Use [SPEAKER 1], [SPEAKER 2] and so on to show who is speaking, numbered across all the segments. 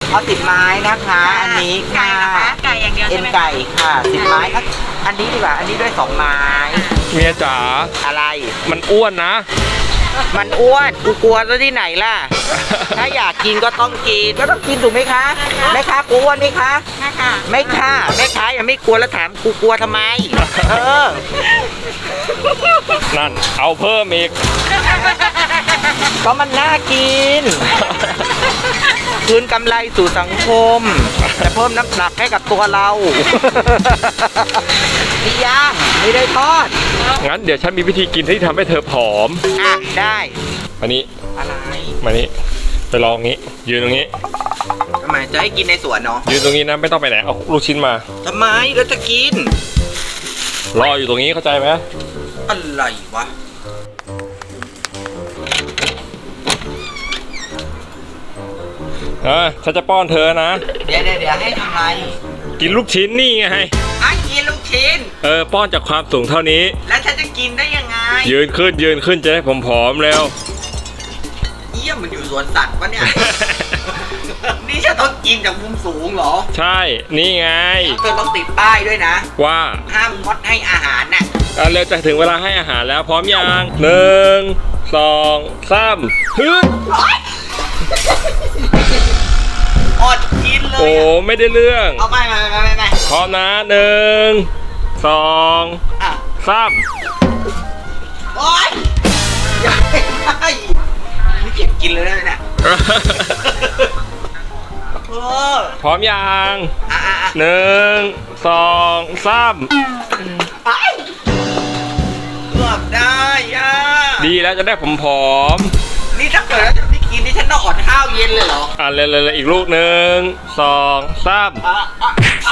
[SPEAKER 1] เอา10 ไม้นะคะอันนี้
[SPEAKER 2] ไก่
[SPEAKER 1] ค่ะ
[SPEAKER 2] นะคะไก่อย่างเดียว
[SPEAKER 1] เอ็
[SPEAKER 2] ใช่
[SPEAKER 1] น
[SPEAKER 2] ไหม
[SPEAKER 1] ไก่ค่ะ10 ไม้อันนี้ดีกว่าอันนี้ด้วย2 ไม้
[SPEAKER 3] เมียจ๋า
[SPEAKER 1] อะไร
[SPEAKER 3] มันอ้วนนะ
[SPEAKER 1] มันอ้วนกูกลัวซะที่ไหนล่ะ ถ้าอยากกินก็ต้องกินก็ต้องกินถูกไหมคะแม่ค้ากูอ้วนไหมคะ
[SPEAKER 2] นะคะ
[SPEAKER 1] ไม่ค่ะแม่ค้ายังไม่กลัวแล้วถามกูกลัวทำไม เออ
[SPEAKER 3] นั่นเอาเพิ่มอีก
[SPEAKER 1] ก็มันน่ากิน คืนกำไรสู่สังคมจะเพิ่มน้ำหนักให้กับตัวเรา นี่ย่างไม่ได้ทอด
[SPEAKER 3] งั้นเดี๋ยวฉันมีวิธีกินที่ทำให้เธอผอม
[SPEAKER 1] อ่ะได้
[SPEAKER 3] มานี้
[SPEAKER 1] อะไร
[SPEAKER 3] มานี้ไปลองงี้ ยืนตรงนี้
[SPEAKER 1] ทำไมจะให้กินในสวนเนาะ
[SPEAKER 3] ยืนตรงนี้นะไม่ต้องไปไหนเอาลูกชิ้นมา
[SPEAKER 1] ทำไมแล้วจะกิน
[SPEAKER 3] รออยู่ตรงนี้เข้าใจไหม
[SPEAKER 1] อะไรวะ
[SPEAKER 3] ฉันจะป้อนเธอนะ
[SPEAKER 1] เดี๋ยวให้ทำไร
[SPEAKER 3] กินลูกชิ้นนี่ไง
[SPEAKER 1] ให้กินลูกชิ้น
[SPEAKER 3] ป้อนจากความสูงเท่านี้
[SPEAKER 1] แล้วฉันจะกินได้ยังไง
[SPEAKER 3] ยืนขึ้นจะได้ผอมๆเร็ว
[SPEAKER 1] เยี่ยมมันอยู่สวนสัตว์ปะเนี่ย นี่ฉันต้องกินจากมุมสูงเหรอ
[SPEAKER 3] ใช่ นี่ไง
[SPEAKER 1] เธอต้องติดป้ายด้วยนะ
[SPEAKER 3] ว่า
[SPEAKER 1] ห้ามงดให้อาหารน่ะ
[SPEAKER 3] เร็วจะถึงเวลาให้อาหารแล้วพร้อมยัง1 2 3ฮึด
[SPEAKER 1] อดกินเลย
[SPEAKER 3] โอ้
[SPEAKER 1] อะ
[SPEAKER 3] ไม่ได้เรื่อง
[SPEAKER 1] เอาไม่
[SPEAKER 3] พร้อมนะ1 2
[SPEAKER 1] อ่ะ
[SPEAKER 3] 3
[SPEAKER 1] โอ๊ยอย่าให้ได้นี่เก็บกินเลยนะเนี่ยเออ
[SPEAKER 3] พร้อมยัง
[SPEAKER 1] อ่ะ
[SPEAKER 3] 1 2 3
[SPEAKER 1] ไอ้เกือบได้ย่า
[SPEAKER 3] ดีแล้วจะได้ผอม
[SPEAKER 1] นี่ถ้าเกิดแล้วจะไม่กินนี่ฉันต้องอดข้าวเย็นเลยเหรอ
[SPEAKER 3] เลยอีกลูก1 2 3
[SPEAKER 1] ไอ้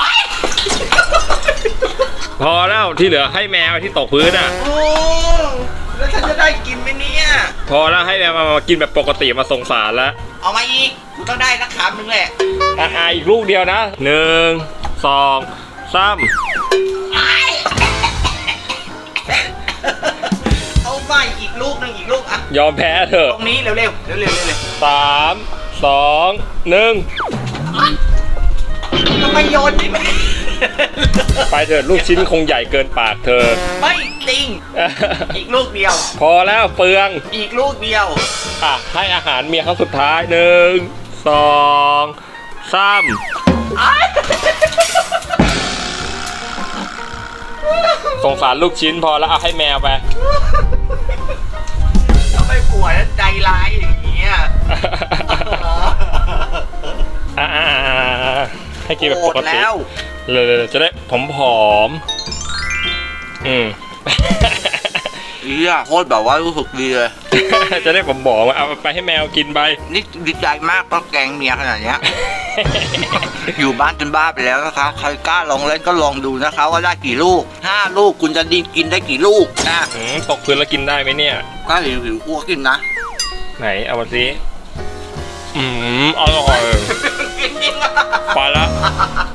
[SPEAKER 3] พอแล้วที่เหลือให้แมวที่ตกพื้นอ่ะ
[SPEAKER 1] โอ้แล้วฉันจะได้กินไหมเนี่ย
[SPEAKER 3] พอแล้วให้แมวมากินแบบปกติมาสงสารแล้ว
[SPEAKER 1] เอามาอีกกูต้องได้สักคำหนึงแหละ
[SPEAKER 3] อีกลูกเดียวนะ1 2 3
[SPEAKER 1] เอาไปอีกลูกหนึงอีกลูกอ่ะ
[SPEAKER 3] ยอมแพ้เถอะ
[SPEAKER 1] ตรงนี้เร็ว
[SPEAKER 3] 3 2
[SPEAKER 1] ทำไมโยนนี่ไม่
[SPEAKER 3] 1 ไปเถอะลูกชิ้นคงใหญ่เกินปากเธอ
[SPEAKER 1] ไม่จริง อีกลูกเดียว
[SPEAKER 3] พอแล้วเปลือง
[SPEAKER 1] อีกลูกเดียว
[SPEAKER 3] ให้อาหารเมียครั้งสุดท้าย1 2 3 สงสารลูกชิ้นพอแล้วเอาให้แมวไป
[SPEAKER 1] ทำไมผัวนั้นใจร้ายอย่างเงี้ย
[SPEAKER 3] ให้กินแบบปกติ
[SPEAKER 1] แล้ว
[SPEAKER 3] เลยจะได้ผอม
[SPEAKER 1] โคตรแบบว่ารู้สึกดีเลย
[SPEAKER 3] จะได้ผมบอกว่าเอาไปให้แมวกินไป
[SPEAKER 1] นี่ดีใจมากต้องแกงเมียขนาดเนี้ย อยู่บ้านจนบ้าไปแล้วนะคะใครกล้าลองเล่นก็ลองดูนะคะว่าได้กี่ลูก5 ลูกคุณจะดีกินได้กี่ลูกนะ
[SPEAKER 3] ตกพื้นแล้วกินได้ไหมเนี่ย
[SPEAKER 1] ก็หิวอ้วกกินนะ
[SPEAKER 3] ไหนเอามาสิอร่อย
[SPEAKER 1] กินจริงอ่ะ
[SPEAKER 3] ไปละ